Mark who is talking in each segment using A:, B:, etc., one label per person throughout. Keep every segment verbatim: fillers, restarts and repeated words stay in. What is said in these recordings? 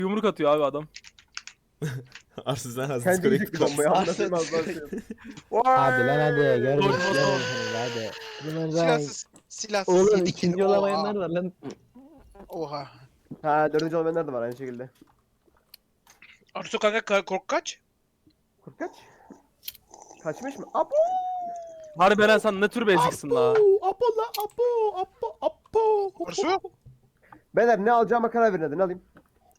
A: Yumruk atıyor abi adam.
B: Arsız sen hazır
C: Kendi
B: skoreyi
C: yiyecek bir bombayı anlatayım az daha şey.
D: Hadi lan hadi görmedik
A: Doğru, doğru.
D: görmedik hadi. Bunlar
E: Silahsız. Silahsız.
D: Oğlum
E: yedi
D: ikinci
E: kill.
D: olamayanlar
E: Oha.
D: var lan.
E: Oha.
C: Ha dördüncü olmayanlar da var aynı şekilde.
E: Artu kanka ka- kork kaç?
C: Kurt kaç? Kaçmış mı? Apo!
A: Harbi Eren sen ne tür bir eziksin la.
B: Apo la apo apo apo.
E: Arsu?
C: Beyler ne alacağıma karar verin hadi ne alayım?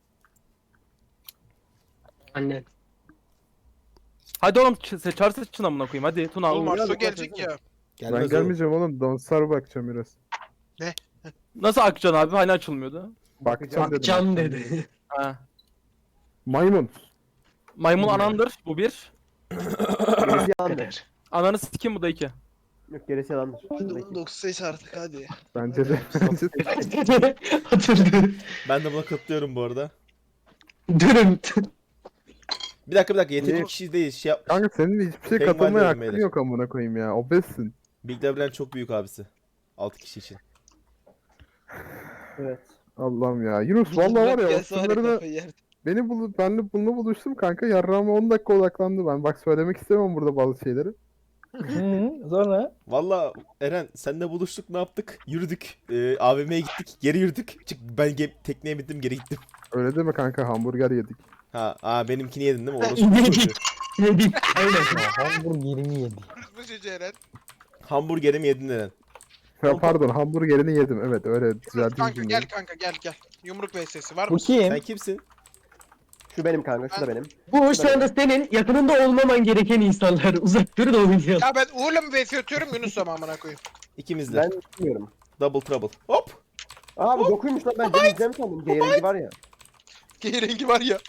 D: Anne.
A: Hadi oğlum ç- çağır seçin amına koyayım hadi Tuna.
E: Oğlum
C: Oğlum,
E: Arsu
C: biraz
E: gelecek
C: bakmasana.
E: ya.
B: Gelmez
F: Ben
B: oğlum.
F: gelmeyeceğim oğlum. Donsar bakacağım biraz.
A: Nasıl Akcan abi hani açılmıyordu.
F: Bakacağım dedim.
D: Can dedi.
A: Ha.
F: Maymun.
A: Maymun anandır bu bir.
C: Gerisi yalandır.
A: Ananı sikim bu da iki.
C: Yok gerisi yalandır.
E: dokuz seç artık hadi.
F: Bence de. Bence de.
D: Hatırladı.
B: Ben de buna katılıyorum bu arada.
D: Dürüm.
B: Bir dakika bir dakika yetenekli
F: Niye?
B: kişi değil şey yap.
F: Kanka senin hiçbir şey
B: Tek
F: katılmaya
B: var
F: hakkın
B: beyler.
F: yok amına koyayım ya. Obezsin.
B: Big Leblanc çok büyük abisi. altı kişi için.
C: Evet.
F: Allah'ım ya. Yunus vallahi var ya opsiyonlarını beni bulup benle bununla buluştum kanka. Yarrağıma on dakika odaklandı ben. Bak söylemek istemem burada bazı şeyleri.
D: Hı, sonra?
B: Valla Eren senle buluştuk ne yaptık? Yürüdük. Ee, A V M'ye gittik. Geri yürüdük. Çık ben ge- tekneye bindim geri gittim.
F: Öyle deme kanka, hamburger yedik.
B: Ha, aa benimkini yedin değil mi? Orası
D: Yedik.
B: çocuğu.
D: Yedik. Aynen. Hamburgerini yedi.
E: Bu çocuğu Eren.
B: Hamburgerimi yedin Eren.
F: Ya pardon, hamburgerini yedim. Evet öyle düzelteyim
E: Kanka
F: cümleyi.
E: gel kanka gel gel. Yumruk vs var
D: Bu
E: mı?
D: kim?
B: Sen kimsin?
C: Şu benim kanka, şu da benim.
D: Bu şu anda senin yakınında olmaman gereken insanlar. Uzak dur da oynayalım.
E: Ya ben Uğur'la mı vs atıyorum Yunus'la mı amına koyayım?
B: İkimizle.
C: Ben bilmiyorum.
B: Double trouble. Hop.
C: Abi dokuymuş lan, ben deneyeceğim sandım. G rengi var ya.
E: G rengi var ya.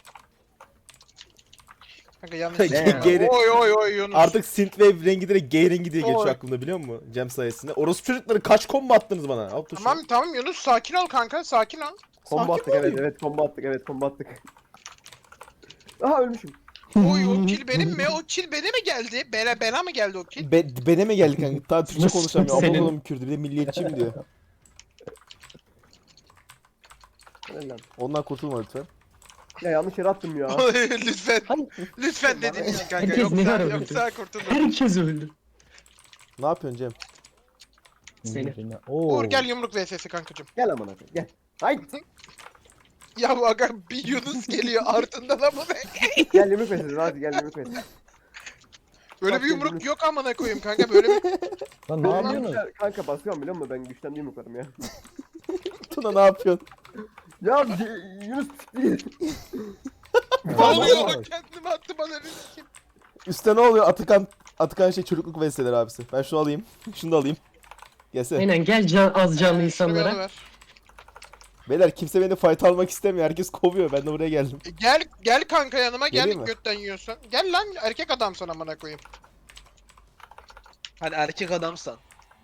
E: Kanka yanlış.
B: G- G-
E: Oy oy oy Yunus.
B: Artık synthwave rengi direkt G rengi diye geçiyor
E: Oy.
B: aklımda biliyor musun? Cem sayesinde. Orası çocukları kaç combo attınız bana? Al tuşu.
E: Tamam tamam Yunus sakin ol kanka sakin ol.
C: Combo
B: Sakin
C: attık,
B: ol.
C: evet evet combo attık, evet combo attık. Aha ölmüşüm.
E: Oy o kill benim mi? O kill bana mi geldi? Bana, bana mı geldi o kill?
B: Be bene mi geldi kanka? Daha Türkçe
D: Nasıl
B: konuşamıyor.
D: senin?
B: Ablam Kürdü bir de milliyetçiyim diyor.
C: Helal lan.
B: Ondan kurtulma lütfen.
C: Ya yanlış yere attım ya.
E: Lütfen. Lütfen dediğim için kanka.
D: Herkes ne
E: Yoksa,
D: ara öldü?
E: yoksa kurtulur.
D: Herkes öldü.
B: Ne yapıyorsun Cem?
D: Seni.
E: Uğur gel yumruk vs'si kankacım.
C: Gel amına koyayım gel. Haydi.
E: Ya bu aga bir Yunus geliyor ardından ama
C: Gel yumruk meselesi, hadi gel yumruk meselesi.
E: böyle bir yumruk yok amına koyayım kanka böyle bir
D: Lan
C: Ne yapıyorsun? Kanka basıyorum biliyor musun, ben güçten yumruklarım ya.
B: Tuna ne yapıyorsun?
C: Ya C- Yunus değil.
E: ne oluyor kendimi attı bana riskim.
B: Üstte ne oluyor? Atakan Atakan şey çocukluk vesileleri abisi. Ben şunu alayım. Şunu da alayım. Gelsene.
D: Aynen gel can, az canlı
E: Şunu
D: insanlara.
E: bana ver.
B: Beyler kimse beni fight almak istemiyor. Herkes kovuyor. Ben de buraya geldim.
E: E, Gel gel kanka yanıma gel
B: Geleyim mi?
E: götten yiyorsan. Gel lan erkek adamsın amına koyayım.
G: Hani erkek adamsan.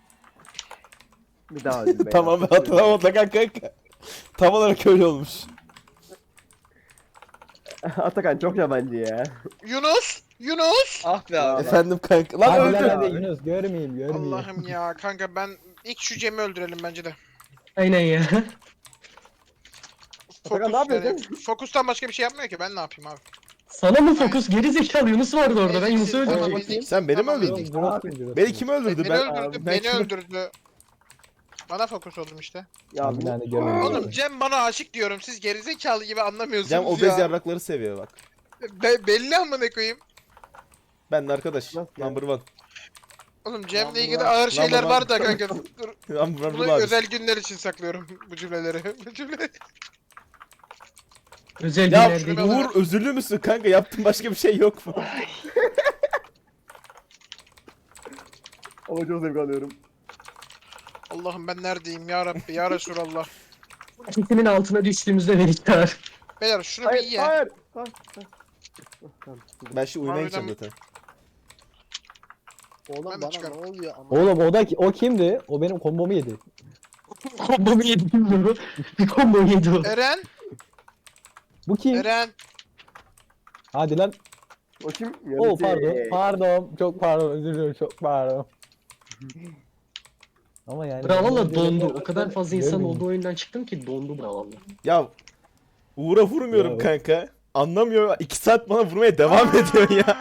C: Bir daha öldüm be.
B: Tamam ben hatırlamadım Atakan kanka. Tam olarak öyle olmuş.
C: Atakan çok yabancı ya.
E: Yunus! Yunus!
G: Ah be abi.
B: Efendim kanka. Lan
D: Hadi lan
B: öldü.
D: hadi Yunus görmeyeyim görmeyeyim.
E: Allah'ım ya kanka ben ilk şu Cem'i öldürelim bence de.
D: Aynen ya.
C: Atakan ne yapıyorsun?
E: Fokustan başka bir şey yapmıyor ki ben ne yapayım abi.
D: Sana mı fokus? Geri zekalı Yunus vardı orada. Ben
E: Ezik,
D: Yunus'u
E: tamam,
D: öldürdüm.
E: ezik.
B: Sen beni mi
E: Tamam,
B: öldürdün?
E: ezik.
B: Beni kim öldürdü?
E: Beni
B: Ben,
E: öldürdü,
B: ben
E: beni
B: kimi-
E: öldürdü. Bana fokus oldum işte.
C: Ya
D: Bir
C: bu
D: tane görmedim.
E: Oğlum Cem bana aşık diyorum siz gerizekalı gibi anlamıyorsunuz
B: Cem
E: ya.
B: obez yarrakları seviyor bak.
E: Be- belli amına koyayım.
B: Ben de arkadaş.
C: Nasıl ya?
B: Number one.
E: Oğlum Cem'le
C: Number
E: ilgili
C: one.
E: ağır şeyler
B: Number one.
E: var da kanka. Dur.
B: Number one
E: Bunu
B: bu abi.
E: özel günler için saklıyorum bu cümleleri. Bu cümleleri.
D: Özel
B: Ya
D: günler değil.
E: şunu-
B: Uğur özürlü müsün kanka? Yaptığın başka bir şey yok mu?
C: ama çok zevk alıyorum.
E: Allah'ım ben neredeyim ya Rabbi ya Resulallah.
D: Sesinin altına düştüğümüzde velikler.
E: Beyler şunu bir
C: Hayır
E: iyi ya.
C: hayır. Hayır. hayır. Tamam.
B: Ben şimdi uyumaya
E: Harbiden
B: gideceğim zaten.
G: Oğlum
E: Ben de
G: bana
E: çıkarım.
G: ne oluyor ama.
D: Oğlum o da o kimdi? O benim kombomu yedi. Kombomu yedi bilmiyorum. Bir kombo yedi o.
E: Eren,
D: Bu kim?
E: Eren.
D: Hadi lan.
C: O kim?
D: Oo
C: Yönetici.
D: pardon. Pardon. Çok pardon. Özür dilerim. Çok pardon. Ama yani...
H: Bravo dondu. O kadar fazla insan
D: Görmeyeyim.
H: olduğu oyundan çıktım ki dondu bravo.
B: Ya Uğur'a vurmuyorum
D: Ya.
B: kanka. Anlamıyor. iki saat bana vurmaya devam ediyor ya.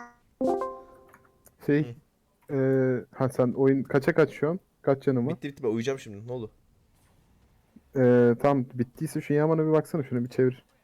F: Şey. Eee ha sen oyun kaça kaç şu an? Kaç canım var?
B: Bitti bitti ben uyuyacağım şimdi. Ne oldu?
F: Eee tamam bittiyse şu Yaman'a bir baksana şunu bir çevir.